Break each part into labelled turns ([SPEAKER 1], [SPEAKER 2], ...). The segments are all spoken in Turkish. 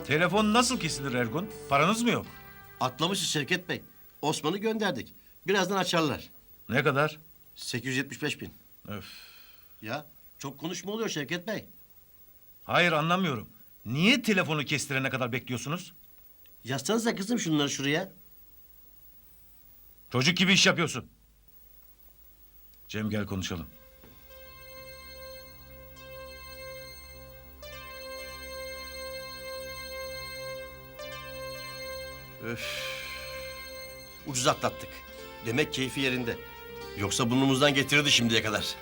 [SPEAKER 1] Telefon nasıl kesilir Ergun? Paranız mı yok?
[SPEAKER 2] Atlamışız Şevket Bey. Osman'ı gönderdik. Birazdan açarlar.
[SPEAKER 1] Ne kadar?
[SPEAKER 2] 875 bin.
[SPEAKER 1] Öf.
[SPEAKER 2] Ya çok konuşma oluyor Şevket Bey.
[SPEAKER 1] Hayır anlamıyorum. Niye telefonu kestirene kadar bekliyorsunuz?
[SPEAKER 2] Yazsanıza kızım şunları şuraya.
[SPEAKER 1] Çocuk gibi iş yapıyorsun. Cem gel konuşalım.
[SPEAKER 2] Ucuz atlattık. Demek keyfi yerinde. Yoksa burnumuzdan getirirdi şimdiye kadar.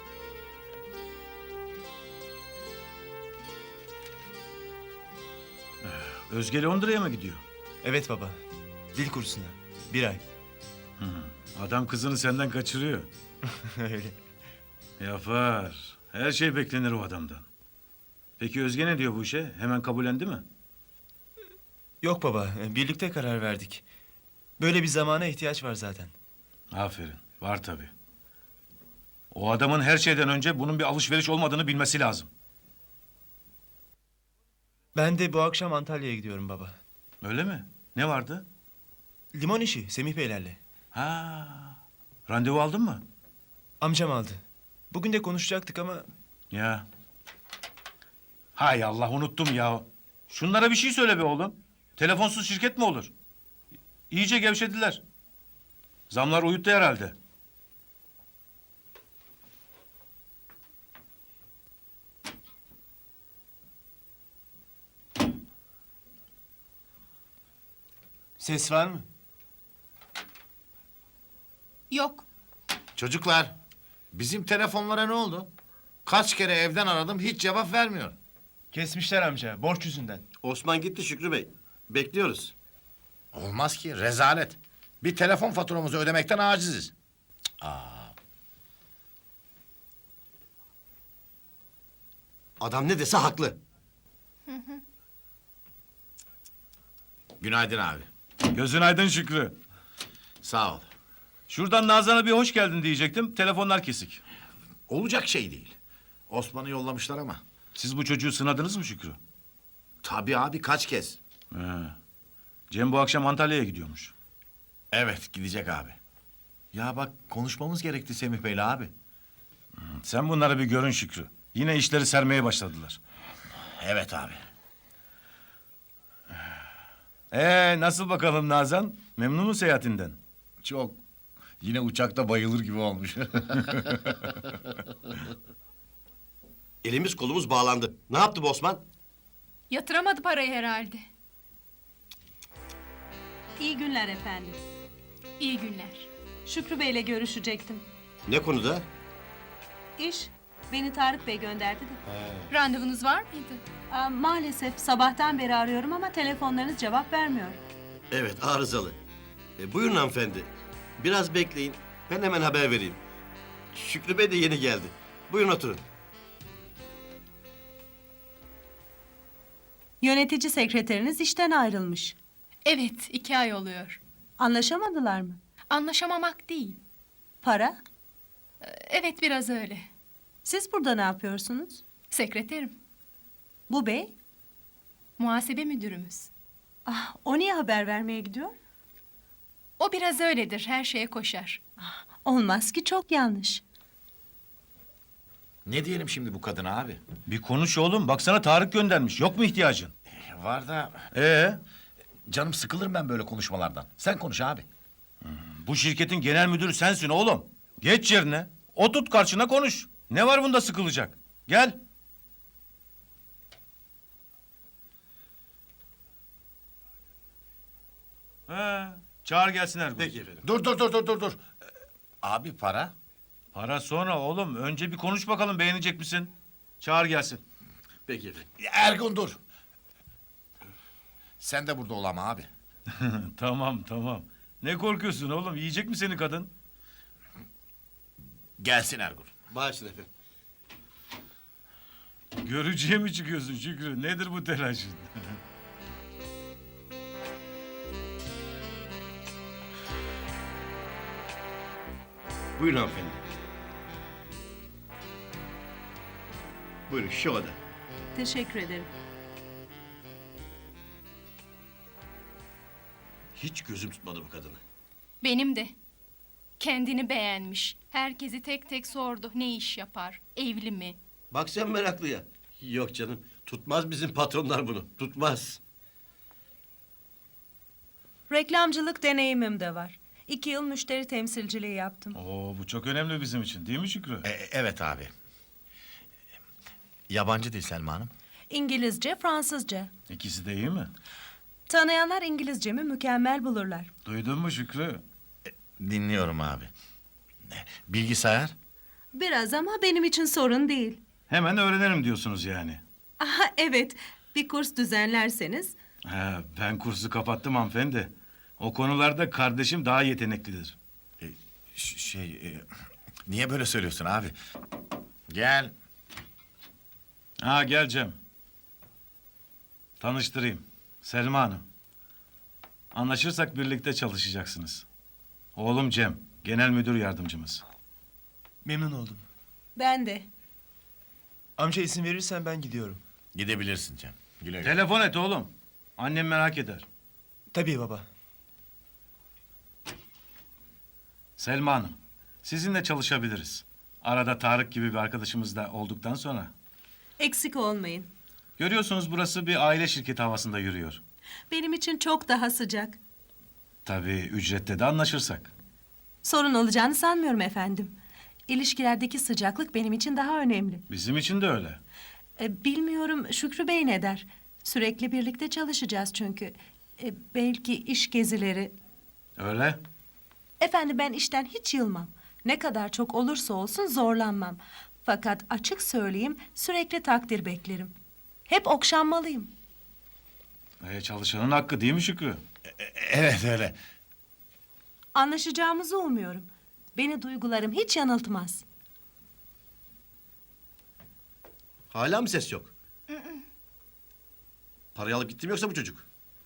[SPEAKER 1] Özge Londra'ya mı gidiyor?
[SPEAKER 3] Evet baba. Dil kursuna. 1 ay.
[SPEAKER 1] Adam kızını senden kaçırıyor.
[SPEAKER 3] Öyle.
[SPEAKER 1] Yapar. Her şey beklenir o adamdan. Peki Özge ne diyor bu işe? Hemen kabullendi mi?
[SPEAKER 3] Yok baba. Birlikte karar verdik. Böyle bir zamana ihtiyaç var zaten.
[SPEAKER 1] Aferin. Var tabii. O adamın her şeyden önce bunun bir alışveriş olmadığını bilmesi lazım.
[SPEAKER 3] Ben de bu akşam Antalya'ya gidiyorum baba.
[SPEAKER 1] Öyle mi? Ne vardı?
[SPEAKER 3] Limon işi Semih Beylerle.
[SPEAKER 1] Ha. Randevu aldın mı?
[SPEAKER 3] Amcam aldı. Bugün de konuşacaktık ama
[SPEAKER 1] Ya. Hay Allah unuttum ya. Şunlara bir şey söyle be oğlum. Telefonsuz şirket mi olur? İyice gevşediler. Zamlar uyuttu herhalde.
[SPEAKER 3] ses var mı?
[SPEAKER 4] Yok.
[SPEAKER 5] Çocuklar, bizim telefonlara ne oldu? Kaç kere evden aradım, hiç cevap vermiyor.
[SPEAKER 3] Kesmişler amca. Borç yüzünden.
[SPEAKER 2] Osman gitti Şükrü Bey. Bekliyoruz.
[SPEAKER 5] Olmaz ki, rezalet. Bir telefon faturamızı ödemekten aciziz.
[SPEAKER 2] Adam ne dese haklı.
[SPEAKER 5] Günaydın abi.
[SPEAKER 1] Gözün aydın Şükrü.
[SPEAKER 5] Sağ ol.
[SPEAKER 1] Şuradan Nazan'a bir hoş geldin diyecektim. Telefonlar kesik.
[SPEAKER 5] Olacak şey değil. Osman'ı yollamışlar ama.
[SPEAKER 1] Siz bu çocuğu sınadınız mı Şükrü?
[SPEAKER 5] Tabii abi, kaç kez.
[SPEAKER 1] He. Cem bu akşam Antalya'ya gidiyormuş.
[SPEAKER 5] Evet, gidecek abi. Ya bak, konuşmamız gerekti Semih Bey'le abi.
[SPEAKER 1] Sen bunları bir görün Şükrü. Yine işleri sermeye başladılar.
[SPEAKER 5] Evet abi.
[SPEAKER 1] Nasıl bakalım Nazan? Memnun mu seyahatinden?
[SPEAKER 5] Çok. Yine uçakta bayılır gibi olmuş.
[SPEAKER 2] Elimiz kolumuz bağlandı. Ne yaptı bu Osman?
[SPEAKER 4] Yatıramadı parayı herhalde.
[SPEAKER 6] İyi günler efendim.
[SPEAKER 4] İyi günler.
[SPEAKER 6] Şükrü Bey'le görüşecektim.
[SPEAKER 2] Ne konuda?
[SPEAKER 6] İş, beni Tarık Bey gönderdi de.
[SPEAKER 4] Randevunuz var mıydı?
[SPEAKER 6] Maalesef sabahtan beri arıyorum ama telefonlarınız cevap vermiyor.
[SPEAKER 2] Evet arızalı. Buyurun hanımefendi. Biraz bekleyin. Ben hemen haber vereyim. Şükrü Bey de yeni geldi. Buyurun oturun.
[SPEAKER 6] Yönetici sekreteriniz işten ayrılmış.
[SPEAKER 4] Evet, 2 ay oluyor.
[SPEAKER 6] Anlaşamadılar mı?
[SPEAKER 4] Anlaşamamak değil.
[SPEAKER 6] Para?
[SPEAKER 4] Evet, biraz öyle.
[SPEAKER 6] Siz burada ne yapıyorsunuz?
[SPEAKER 4] Sekreterim,
[SPEAKER 6] Bu bey?
[SPEAKER 4] muhasebe müdürümüz.
[SPEAKER 6] O niye haber vermeye gidiyor?
[SPEAKER 4] O biraz öyledir, her şeye koşar.
[SPEAKER 6] Olmaz ki, çok yanlış.
[SPEAKER 5] Ne diyelim şimdi bu kadına abi?
[SPEAKER 1] Bir konuş oğlum. Baksana Tarık göndermiş. Yok mu ihtiyacın?
[SPEAKER 5] Var da canım sıkılırım ben böyle konuşmalardan. Sen konuş abi.
[SPEAKER 1] Bu şirketin genel müdürü sensin oğlum. Geç yerine. Oturt karşına konuş. Ne var bunda sıkılacak? Gel. Çağır gelsin Ergun.
[SPEAKER 2] Peki efendim.
[SPEAKER 5] Dur. Abi para?
[SPEAKER 1] Para sonra oğlum. Önce bir konuş bakalım beğenecek misin? Çağır gelsin.
[SPEAKER 2] Peki efendim.
[SPEAKER 5] Ergun dur. Sen de burada ol ama abi.
[SPEAKER 1] Tamam. Ne korkuyorsun oğlum? Yiyecek mi seni kadın?
[SPEAKER 5] Gelsin Ergun.
[SPEAKER 2] Bağışlayın efendim.
[SPEAKER 1] Görücüye mi çıkıyorsun Şükrü? Nedir bu telaşın?
[SPEAKER 2] Buyurun hanımefendi. Buyurun şu oda.
[SPEAKER 6] Teşekkür ederim.
[SPEAKER 2] Hiç gözüm tutmadı bu kadını.
[SPEAKER 4] Benim de. Kendini beğenmiş. Herkesi tek tek sordu. Ne iş yapar? Evli mi?
[SPEAKER 2] Bak sen meraklıya. Yok canım. Tutmaz bizim patronlar bunu. Tutmaz.
[SPEAKER 6] Reklamcılık deneyimim de var. 2 yıl müşteri temsilciliği yaptım.
[SPEAKER 1] Oo, bu çok önemli bizim için değil mi Şükrü?
[SPEAKER 5] Evet abi. Yabancı dil Selma Hanım.
[SPEAKER 6] İngilizce, Fransızca.
[SPEAKER 1] İkisi de iyi mi?
[SPEAKER 6] Tanıyanlar İngilizcemi mükemmel bulurlar.
[SPEAKER 1] Duydun mu Şükrü?
[SPEAKER 5] Dinliyorum abi. Bilgisayar?
[SPEAKER 6] Biraz ama benim için sorun değil.
[SPEAKER 1] Hemen öğrenirim diyorsunuz yani.
[SPEAKER 6] Aha, evet, bir kurs düzenlerseniz.
[SPEAKER 1] He, ben kursu kapattım hanımefendi. O konularda kardeşim daha yeteneklidir.
[SPEAKER 5] Niye böyle söylüyorsun abi? Gel.
[SPEAKER 1] Ha gel Cem. Tanıştırayım. Selma Hanım. Anlaşırsak birlikte çalışacaksınız. Oğlum Cem, genel müdür yardımcımız.
[SPEAKER 3] Memnun oldum.
[SPEAKER 6] Ben de.
[SPEAKER 3] Amca izin verirsen ben gidiyorum.
[SPEAKER 5] Gidebilirsin Cem. Güle güle.
[SPEAKER 1] Telefon et oğlum. Annem merak eder.
[SPEAKER 3] Tabii baba.
[SPEAKER 1] Selma Hanım, sizinle çalışabiliriz. Arada Tarık gibi bir arkadaşımız da olduktan sonra.
[SPEAKER 6] Eksik olmayın.
[SPEAKER 1] Görüyorsunuz burası bir aile şirketi havasında yürüyor.
[SPEAKER 6] Benim için çok daha sıcak.
[SPEAKER 1] Tabii ücrette de anlaşırsak.
[SPEAKER 6] Sorun olacağını sanmıyorum efendim. İlişkilerdeki sıcaklık benim için daha önemli.
[SPEAKER 1] Bizim için de öyle.
[SPEAKER 6] Bilmiyorum Şükrü Bey ne der? Sürekli birlikte çalışacağız çünkü. Belki iş gezileri.
[SPEAKER 1] Öyle.
[SPEAKER 6] Efendim ben işten hiç yılmam. Ne kadar çok olursa olsun zorlanmam. Fakat açık söyleyeyim sürekli takdir beklerim. Hep okşanmalıyım.
[SPEAKER 1] Çalışanın hakkı değil mi Şükrü?
[SPEAKER 5] Evet öyle.
[SPEAKER 6] Anlaşacağımızı umuyorum. Beni duygularım hiç yanıltmaz.
[SPEAKER 2] Hala mı ses yok? Parayı alıp gitti mi yoksa bu çocuk?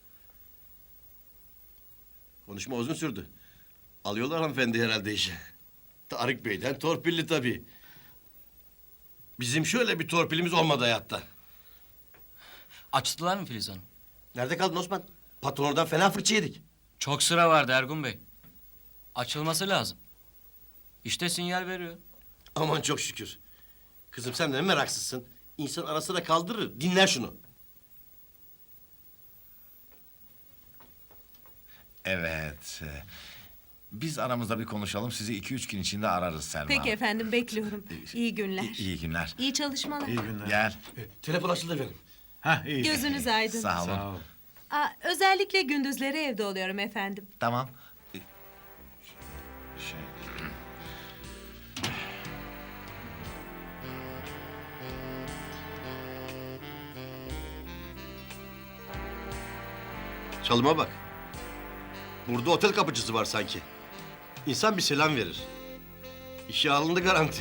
[SPEAKER 2] Konuşma uzun sürdü. Alıyorlar hanımefendi herhalde işe. Tarık Bey'den torpilli tabii. Bizim şöyle bir torpilimiz olmadı hayatta.
[SPEAKER 7] Açtılar mı Filiz Hanım?
[SPEAKER 2] Nerede kaldın Osman? Patron oradan fena fırça yedik.
[SPEAKER 7] Çok sıra vardı Ergun Bey. Açılması lazım. İşte sinyal veriyor.
[SPEAKER 2] Aman çok şükür. Kızım sen de ne meraksızsın. İnsan ara sıra kaldırır. Dinler şunu.
[SPEAKER 8] Evet. Biz aramızda bir konuşalım. Sizi 2-3 gün içinde ararız Selma.
[SPEAKER 6] Peki efendim bekliyorum. İyi günler.
[SPEAKER 8] İyi günler.
[SPEAKER 6] İyi çalışmalar.
[SPEAKER 1] İyi günler.
[SPEAKER 8] Gel.
[SPEAKER 2] Telefon açıldı efendim.
[SPEAKER 1] Hah iyi.
[SPEAKER 6] Gözünüz aydın.
[SPEAKER 8] Sağ olun.
[SPEAKER 1] Sağ ol.
[SPEAKER 6] Özellikle gündüzleri evde oluyorum efendim.
[SPEAKER 8] Tamam. Şey...
[SPEAKER 2] Çalıma bak. Burada otel kapıcısı var sanki. İnsan bir selam verir. İşe alındı garanti.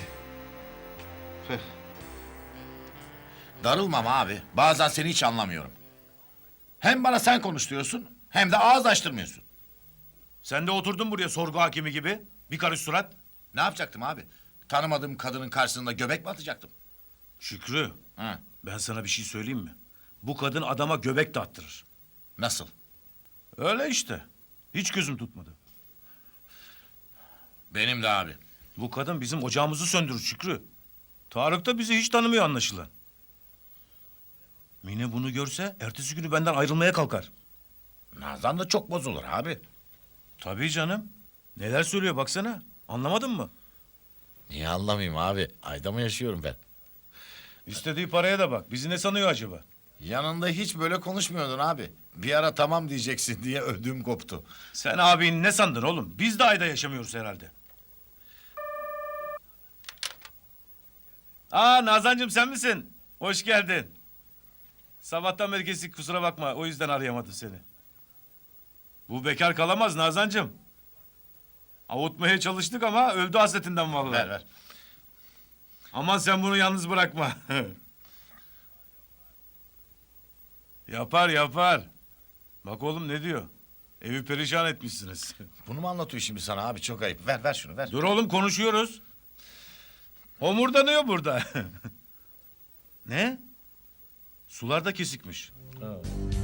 [SPEAKER 8] Darılmam abi. Bazen seni hiç anlamıyorum. Hem bana sen konuş diyorsun, hem de ağız açtırmıyorsun.
[SPEAKER 1] Sen de oturdun buraya sorgu hakimi gibi. Bir karış surat.
[SPEAKER 8] Ne yapacaktım abi? Tanımadığım kadının karşısında göbek mi atacaktım?
[SPEAKER 1] Şükrü,
[SPEAKER 8] Hı.
[SPEAKER 1] ben sana bir şey söyleyeyim mi? Bu kadın adama göbek de attırır.
[SPEAKER 8] Nasıl?
[SPEAKER 1] Öyle işte. Hiç gözüm tutmadı.
[SPEAKER 8] Benim de abi.
[SPEAKER 1] Bu kadın bizim ocağımızı söndürür Şükrü. Tarık da bizi hiç tanımıyor anlaşılan. Mine bunu görse ertesi günü benden ayrılmaya kalkar.
[SPEAKER 8] Nazan da çok bozulur abi.
[SPEAKER 1] Tabii canım. Neler söylüyor baksana. Anlamadın mı?
[SPEAKER 8] Niye anlamayayım abi? Ayda mı yaşıyorum ben?
[SPEAKER 1] İstediği paraya da bak. Bizi ne sanıyor acaba?
[SPEAKER 8] Yanında hiç böyle konuşmuyordun abi. Bir ara tamam diyeceksin diye ödüm koptu.
[SPEAKER 1] Sen abin ne sandın oğlum? Biz de ayda yaşamıyoruz herhalde. Aa Nazancığım sen misin? Hoş geldin. Sabahtan beri kesik kusura bakma. O yüzden arayamadım seni. Bu bekar kalamaz Nazancığım. Avutmaya çalıştık ama öldü hasretinden vallahi.
[SPEAKER 8] Ver ver.
[SPEAKER 1] Aman sen bunu yalnız bırakma. Yapar yapar. Bak oğlum ne diyor? Evi perişan etmişsiniz.
[SPEAKER 8] Bunu mu anlatıyor şimdi sana abi? Çok ayıp. Ver ver şunu ver.
[SPEAKER 1] Dur oğlum konuşuyoruz. Homurdanıyor burada. Ne? Sular da kesikmiş.